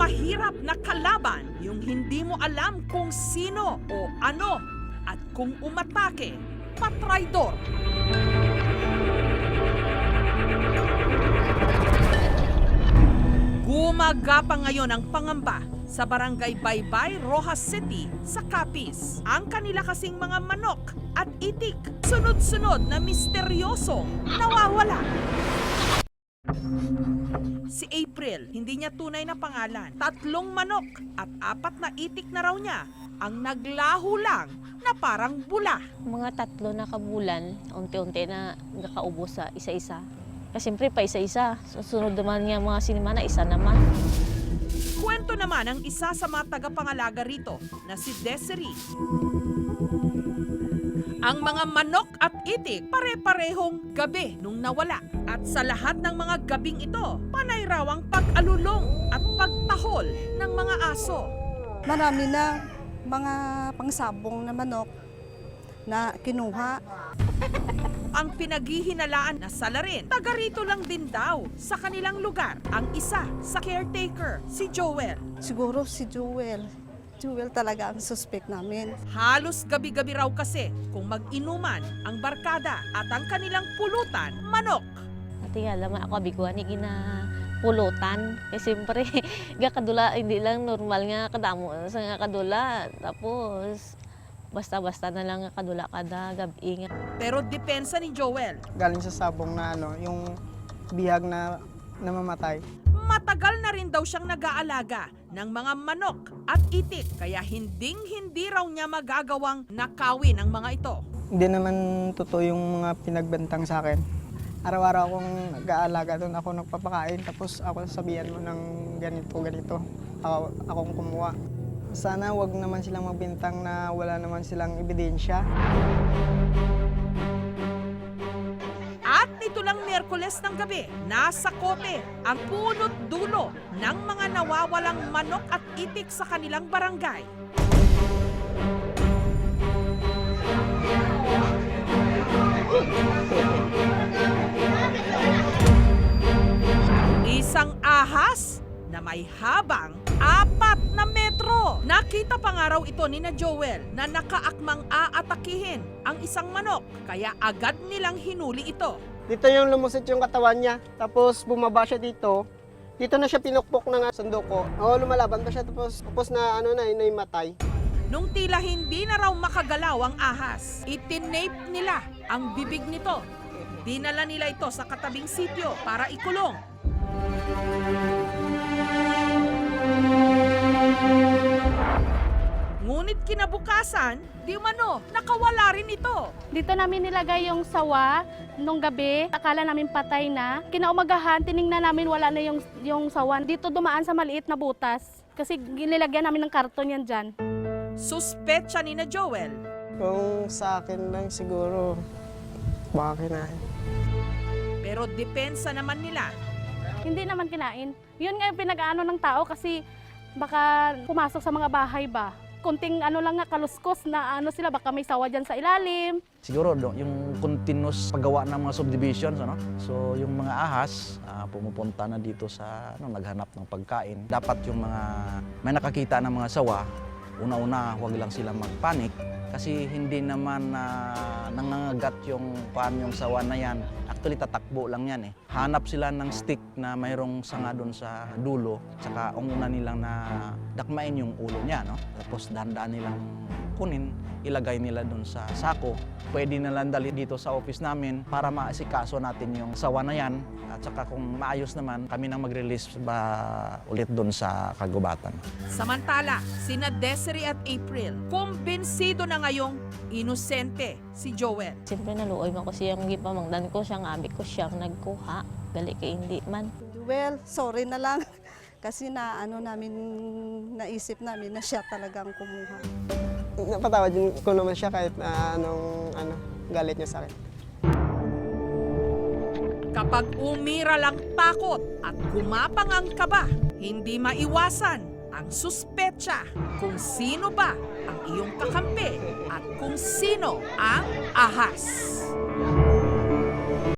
Mahirap na kalaban yung hindi mo alam kung sino o ano at kung umatake, patraydor. Gumagapang ngayon ang pangamba sa Barangay Baybay, Rojas City sa Capiz. Ang kanila kasing mga manok at itik, sunod-sunod na misteryosong nawawala. Si April, hindi niya tunay na pangalan. 3 manok at 4 na itik na raw niya ang naglaho lang na parang bula. Mga 3 na kabulan, unti-unti na nakaubos sa isa-isa. Kasi siyempre pa isa-isa. Susunod naman nga mga sinimana, isa naman. Kwento naman ang isa sa mga tagapangalaga rito na si Desiree. Ang mga manok at itik pare-parehong gabi nung nawala. At sa lahat ng mga gabing ito, panay raw ang pag-alulong at pagtahol ng mga aso. Marami na mga pangsabong na manok na kinuha. Ang pinaghihinalaan na salarin, taga rito lang din daw sa kanilang lugar. Ang isa sa caretaker, si Joel. Siguro si Joel. Joel talaga ang suspect namin. Halos gabi-gabi raw kasi kung mag-inuman ang barkada at ang kanilang pulutan, manok. At nga laman ako abiguan ni pulutan. Kasi siyempre, kadula, hindi lang normal nga kadamo sa nga kadula. Tapos, basta-basta na lang nga kadula kada gabi nga. Pero depensa ni Joel, Galing sa sabong na yung bihag na namamatay. matagal na rin daw siyang nag-aalaga ng mga manok at itik. Kaya hinding-hindi raw niya magagawang nakawin ang mga ito. Hindi naman totoo yung mga pinagbentang sa akin. Araw-araw akong nag-aalaga doon, ako nagpapakain, tapos ako sabihan mo ng ganito. Akong kumuha. Sana wag naman silang magbintang na wala naman silang ebidensya. At nito lang Miyerkules ng gabi, nasa kote ang punot dulo ng mga nawawalang manok at itik sa kanilang barangay. Isang ahas na may habang 4 na metro. Nakita pa nga raw ito ni na Joel na nakaakmang aatakihin ang isang manok. Kaya agad nilang hinuli ito. Dito yung lumusit yung katawan niya, tapos bumaba siya dito. Dito na siya pinukpok ng sandoko. Oo, lumalaban pa siya, tapos na naimatay. Nung tila hindi na raw makagalaw ang ahas, itinape nila ang bibig nito. Dinala nila ito sa katabing sitio para ikulong. Ngunit kinabukasan, di umano, nakawala rin ito. Dito namin nilagay yung sawa nung gabi. Akala namin patay na. Kinaumagahan, tiningnan namin wala na yung sawa. Dito dumaan sa maliit na butas. Kasi nilagyan namin ng karton yan dyan. Suspetsa ni na Joel. Kung sa akin lang siguro, baka kinain. Pero depensa naman nila. Hindi naman kinain. Yun nga yung pinag-ano ng tao kasi baka pumasok sa mga bahay ba. Kunting lang nga kaluskos na sila, baka may sawa dyan sa ilalim. Siguro yung continuous paggawa ng mga subdivisions, so yung mga ahas pumupunta na dito sa naghanap ng pagkain. Dapat yung mga may nakakita ng mga sawa, una-una huwag lang silang magpanik kasi hindi naman nangangagat yung sawa na yan. Actually, tatakbo lang yan eh. Hanap sila ng stick na mayroong sanga doon sa dulo, saka una nilang na dakmain yung ulo niya, Tapos dahan-dahan nilang kunin, ilagay nila doon sa sako. Pwede nilang dali dito sa office namin para maasikaso natin yung sawa na yan. At saka kung maayos naman, kami nang mag-release ulit doon sa kagubatan. Samantala, sina Desiree at April, kumbinsido na ngayong inosente si Joel. Siyempre naluoy man ko siyang gipamangdan ko, siyang abi ko siyang nagkuha. Gali kay hindi man. Joel, sorry na lang. Kasi naisip namin na siya talagang kumuha. Napatawad ko naman siya kahit galit niya sa akin. Kapag umira lang takot at gumapang ang kaba, hindi maiwasan ang suspetsa kung sino ba ang iyong kakampi at kung sino ang ahas.